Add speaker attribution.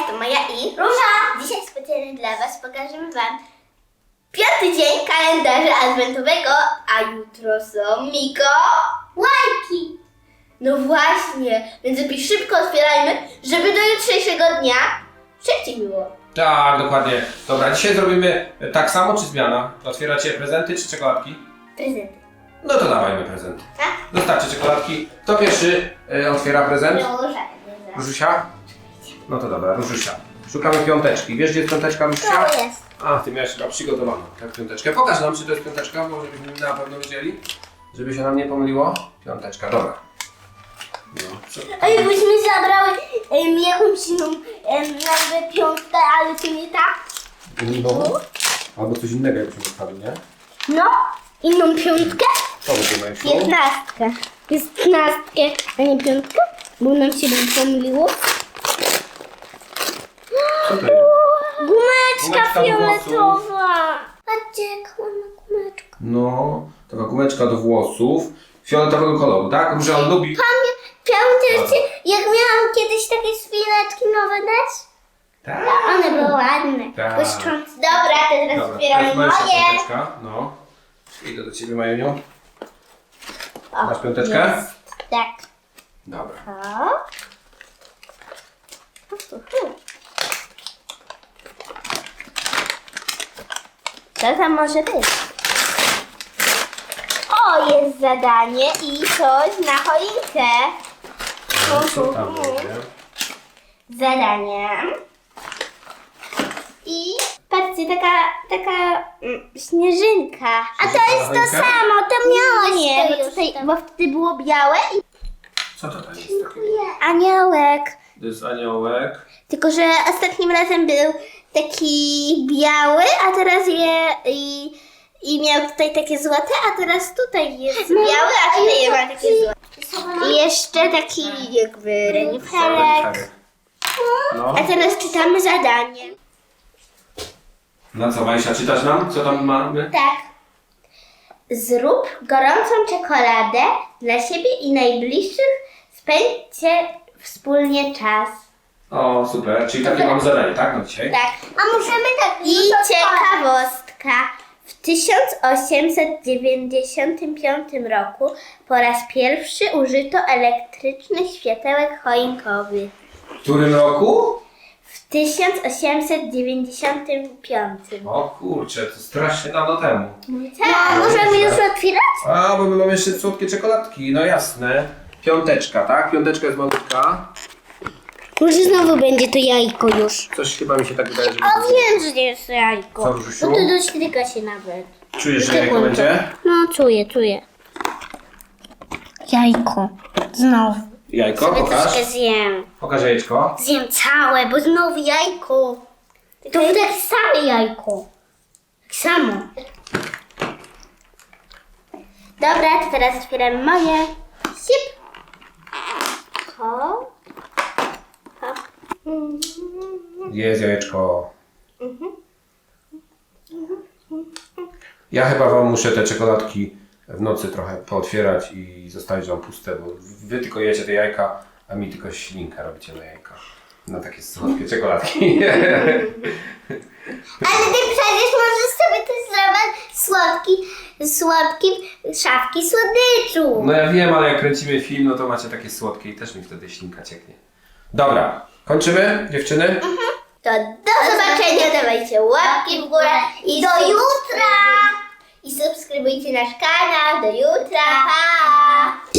Speaker 1: to Maja i Róża. Dzisiaj specjalnie dla Was pokażemy Wam 5. dzień kalendarza adwentowego, a jutro są Mikołajki. No właśnie, więc lepiej szybko otwierajmy, żeby do jutrzejszego dnia szybciej było.
Speaker 2: Tak, dokładnie. Dobra, dzisiaj zrobimy tak samo czy zmiana? Otwieracie prezenty czy czekoladki?
Speaker 1: Prezenty.
Speaker 2: No to dawajmy prezenty.
Speaker 1: Tak?
Speaker 2: Dostarczy czekoladki. Kto pierwszy otwiera prezent?
Speaker 1: Róża.
Speaker 2: Różusia? No to dobra, Różusia. Szukamy piąteczki. Wiesz, gdzie jest piąteczka, Różusia?
Speaker 1: To jest.
Speaker 2: A, ty miałeś chyba przygotowaną tak, piąteczkę. Pokaż nam, czy to jest piąteczka, może byśmy na pewno wiedzieli. Żeby się nam nie pomyliło. Piąteczka, dobra. No,
Speaker 1: A jakbyśmy zabrały jakąś inną nazwę piątkę, ale to nie tak?
Speaker 2: Albo coś innego jakbyśmy dostali, nie?
Speaker 1: No, inną piątkę?
Speaker 2: To będziemy szło.
Speaker 1: 15. Jest 15, a nie piątka? Bo nam się pomyliło.
Speaker 2: Co to jest?
Speaker 1: Gumeczka
Speaker 2: Gumeczka do
Speaker 1: fioletowa. Patrzcie, jaka ładna gumeczka.
Speaker 2: No, taka gumeczka do włosów. Fioletowego koloru, tak? Róża on lubi.
Speaker 1: Pamiętacie, jak miałam kiedyś takie spineczki nowe dać?
Speaker 2: Tak.
Speaker 1: One były ładne,
Speaker 2: Tak.
Speaker 1: błyszczące. Dobra, to teraz
Speaker 2: Dobra,
Speaker 1: otwieramy
Speaker 2: teraz moja
Speaker 1: moje.
Speaker 2: piąteczka. No. Idę do ciebie, Majuniu.
Speaker 1: O,
Speaker 2: Masz piąteczkę?
Speaker 1: jest. Tak.
Speaker 2: Dobra.
Speaker 1: O. Co tam może być? O, jest zadanie i coś na choinkę.
Speaker 2: No, co tam będzie?
Speaker 1: Zadanie. I patrzcie, taka śnieżynka. A to jest to
Speaker 2: choinkę?
Speaker 1: samo, to miało nie, bo wtedy było białe i
Speaker 2: Co to tam jest takiego?
Speaker 1: aniołek.
Speaker 2: To jest aniołek.
Speaker 1: Tylko, że ostatnim razem był taki biały, a teraz i miał tutaj takie złote, a teraz tutaj jest biały, a tutaj ma takie złote. I jeszcze taki jakby reniferek.
Speaker 2: No.
Speaker 1: A teraz czytamy zadanie.
Speaker 2: No co, Majsia, czytasz nam? Co tam mamy?
Speaker 1: Tak. Zrób gorącą czekoladę dla siebie i najbliższych. Spędźcie wspólnie czas.
Speaker 2: O, super. Czyli takie mamy zadanie, tak? No dzisiaj?
Speaker 1: Tak. A możemy tak. I ciekawostka. W 1895 roku po raz pierwszy użyto elektrycznych światełek choinkowych.
Speaker 2: W którym roku?
Speaker 1: W 1895.
Speaker 2: O kurczę, to strasznie dawno temu.
Speaker 1: Tak, możemy już otwierać?
Speaker 2: A, bo my mamy jeszcze słodkie czekoladki, no jasne. Piąteczka, tak? Piąteczka jest malutka.
Speaker 1: Może znowu będzie to jajko już.
Speaker 2: Coś chyba mi się tak wydaje, że
Speaker 1: A wiem, że jest jajko.
Speaker 2: Co, Różusiu?
Speaker 1: No to dośtyka się nawet.
Speaker 2: Czujesz, że jajko będzie?
Speaker 1: No, czuję. Jajko. Znowu.
Speaker 2: Jajko,
Speaker 1: Sobie
Speaker 2: pokaż.
Speaker 1: troszkę zjem.
Speaker 2: Pokaż jajeczko.
Speaker 1: Zjem całe, bo znowu jajko. To takie same jajko. Tak samo. Dobra, to teraz otwieramy moje. Sip. Hop. Hop.
Speaker 2: Jest jajeczko. Ja chyba wam muszę te czekoladki w nocy trochę pootwierać i zostawić wam puste, bo wy tylko jecie te jajka, a mi tylko ślinkę robicie na jajka. Na takie słodkie czekoladki.
Speaker 1: Ale ty przecież możesz sobie też zrobić słodki szafki słodyczu.
Speaker 2: No ja wiem, ale jak kręcimy film, no to macie takie słodkie i też mi wtedy ślinka cieknie. Dobra, kończymy, dziewczyny?
Speaker 1: To do zobaczenia, dawajcie łapki w górę i do jutra! I subskrybujcie nasz kanał, do jutra, pa!